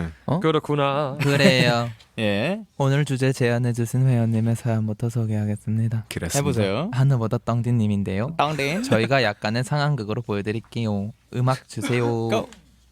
그렇구나. 그래요. 예. 오늘 주제 제안해주신 회원님의 사연부터 소개하겠습니다. 그랬습니다. 해보세요. 하늘보다 떡디님인데요. 땅땡. 저희가 약간의 상황극으로 보여드릴게요. 음악 주세요. 고.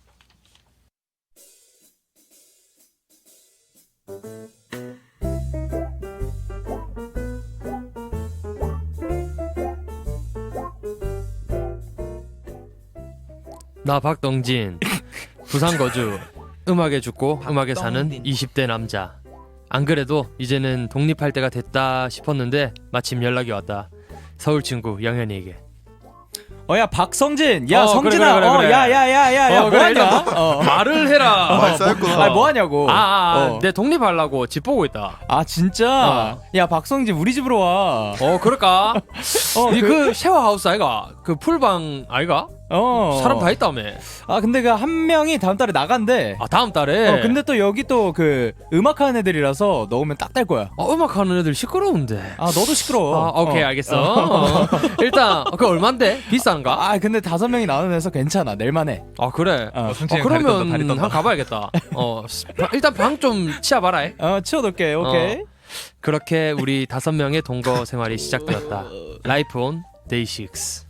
나 박동진. 부산 거주. 음악에 죽고 음악에 사는 박동진. 20대 남자. 안 그래도 이제는 독립할 때가 됐다 싶었는데 마침 연락이 왔다. 서울 친구 영현이에게. 야 박성진. 야 그래, 성진아. 그래, 그래. 야야야야야. 그래, 뭐하냐? 말을 해라. 많이 쌓였구나. 아 뭐하냐고. 내 독립하려고 집 보고 있다. 아 진짜? 야 박성진 우리 집으로 와. 그럴까? 니 그- 그 쉐어하우스 아이가? 그 풀방 아이가? 사람 다 있다며. 아 근데 그 한 명이 다음 달에 나간대. 다음 달에. 근데 또 여기 또 그 음악하는 애들이라서 넣으면 딱 될 거야. 음악하는 애들 시끄러운데. 너도 시끄러워. 오케이 알겠어. 일단 그 얼만데? 비싼가? 근데 5명이 나오는 데서 괜찮아. 낼만해. 그래. 성진이 그러면 다리 떤다. 한 가봐야겠다. 일단 방 좀 치워봐라. 치워둘게. 오케이. 그렇게 우리 5명의 동거 생활이 시작되었다. 라이프 온 데이식스.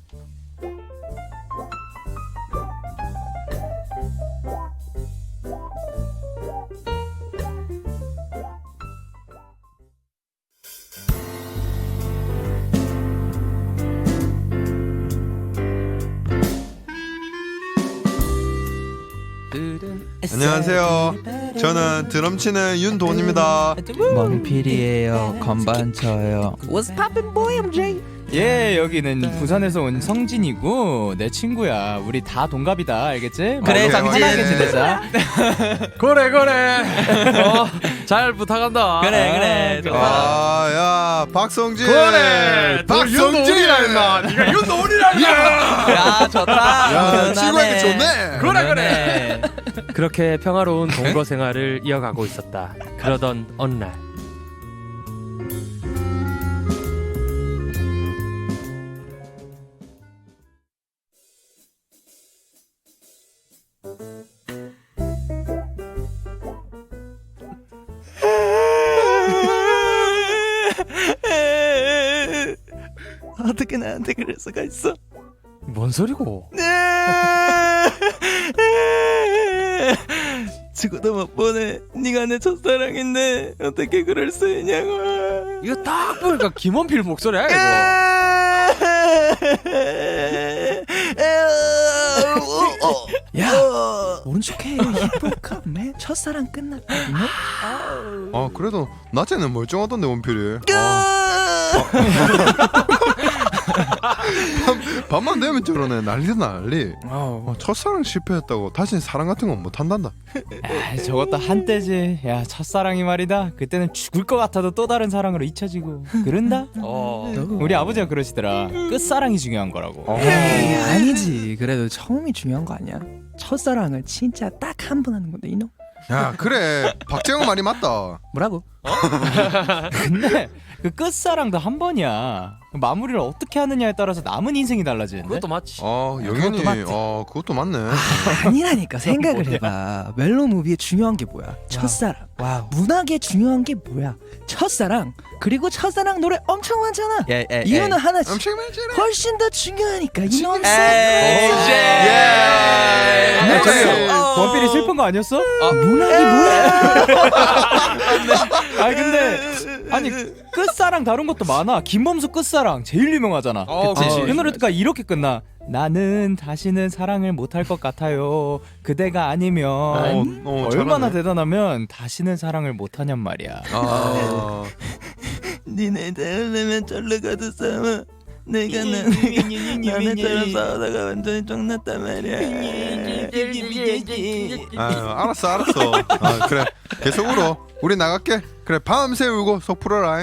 안녕하세요. 저는 드럼 치는 윤돈입니다. 멍필이에요. 건반 쳐요. 예, 여기는 부산에서 온 성진이고 내 친구야. 우리 다 동갑이다. 알겠지? 그래, 성진. 편하게 지내자. 그래. 잘 부탁한다. 그래. 좋아. 야 박성진. 그래. 박성진이라 임마. 네가 윤도훈이라 임마. 야 좋다. 야 친구에게 좋네. 그래. 그렇게 평화로운 동거 생활을 이어가고 있었다. 그러던 어느 날. 어떻게 나한테 그럴 수가 있어? 뭔 소리고? 죽어도 못 보내. 네가 내 첫사랑인데 어떻게 그럴 수 있냐고. 이거 딱 보니까 김원필 목소리야 이거. 야 모른 척해. 힙합 맨 첫사랑 끝났거든요. 그래도 낮에는 멀쩡하던데 원필이. 밤만 되면 저러네. 난리다 난리. 첫사랑 실패했다고 다시는 사랑 같은 건 못한단다. 저것도 한때지. 야, 첫사랑이 말이다. 그때는 죽을 것 같아도 또 다른 사랑으로 잊혀지고 그런다. 우리 아버지가 그러시더라. 끝사랑이 중요한 거라고. 에이, 아니지. 그래도 처음이 중요한 거 아니야? 첫사랑을 진짜 딱 한 번 하는 건데 이놈. 야 그래 박재영 말이 맞다. 뭐라고? 근데 그 끝사랑도 한 번이야. 마무리를 어떻게 하느냐에 따라서 남은 인생이 달라지는데. 그것도 맞지. 영현이 그것도 맞네. 아니라니까. 생각을 해봐. 멜로 무비의 중요한 게 뭐야? 첫사랑. 문학의 중요한 게 뭐야? 첫사랑. 그리고 첫사랑 노래 엄청 많잖아. 이유는 하나지. 엄청 많잖아. 훨씬 더 중요하니까 이놈. 원필이 슬픈 거 아니었어? 문학이 뭐야? 근데 끝사랑 다른 것도 많아. 김범수 끝사랑 제일 유명하잖아. 그치. 그 노래가 이렇게 끝나. 나는 다시는 사랑을 못할 것 같아요. 그대가 아니면. 얼마나 잘하네. 대단하면 다시는 사랑을 못하냔 말이야. 니네 대려면 절로 가도 싸워. 내가 너네처럼 싸우다가 완전히 쫑났단 말이야. 알았어. 그래 계속 울어. 우리 나갈게. 그래 밤새 울고 속 풀어라.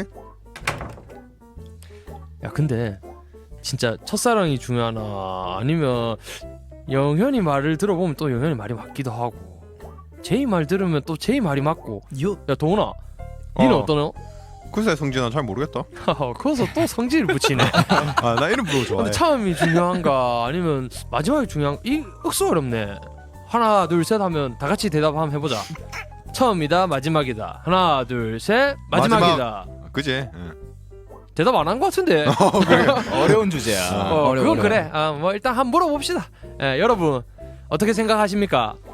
야 근데 진짜 첫사랑이 중요하나 아니면 영현이 말을 들어보면 또 영현이 말이 맞기도 하고 제이 말 들으면 또 제이 말이 맞고. 야 도훈아 니는 어떠노? 글쎄 성진아 잘 모르겠다. 거기서 또 성질을 붙이네. 나 이름 부르고 좋아해. 근데 처음이 중요한가 아니면 마지막이 중요한가 이 억수 어렵네. 하나 둘 셋 하면 다 같이 대답 한번 해보자. 처음이다 마지막이다. 하나 둘 셋 마지막이다. 그지? 응. 대답 안 한 것 같은데. 그래. 어려운 주제야. 그건 그래. 뭐 일단 한번 물어봅시다. 예, 여러분 어떻게 생각하십니까?